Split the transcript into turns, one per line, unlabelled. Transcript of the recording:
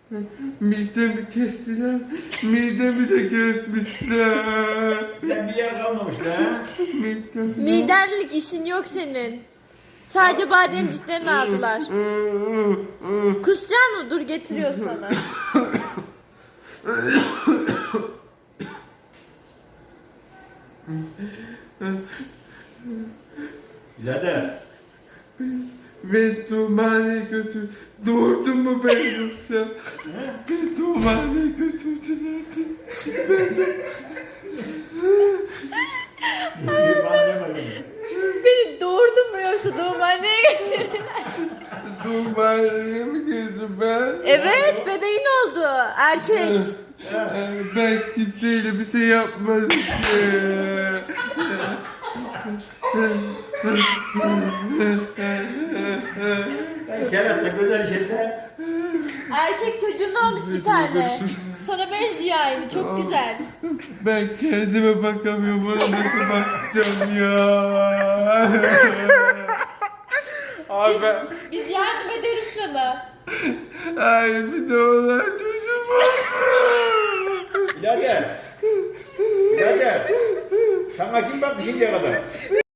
Midemi kestiler, midemi de kesmişler.
Ben bir yer kalmamış ha.
Midenlik işin yok senin. Sadece bademciklerini aldılar. Kusacaksın mı? Dur getiriyor sana.
Birader.
Beni doğumhaneye götür. Doğurdun mu ben yoksa? Beni doğumhaneye götürdüler.
Beni doğurdun mu yoksa doğumhaneye getirdin?
Doğumhaneye mi girdim ben?
Evet, bebeğin oldu. Erkek.
Ben kimseyle bir şey yapmadım ki.
Ben kerata güzel şeyler.
Erkek çocuğun olmuş bir tane. Sana benziyor aynı. Çok güzel.
Ben kendime bakamıyorum. Bana nasıl bakacağım ya? Abi ben...
Biz yardım ederiz sana.
Ay bir de olan çocuğum var.
Birader. Birader. Sana kim baktı şimdiye kadar?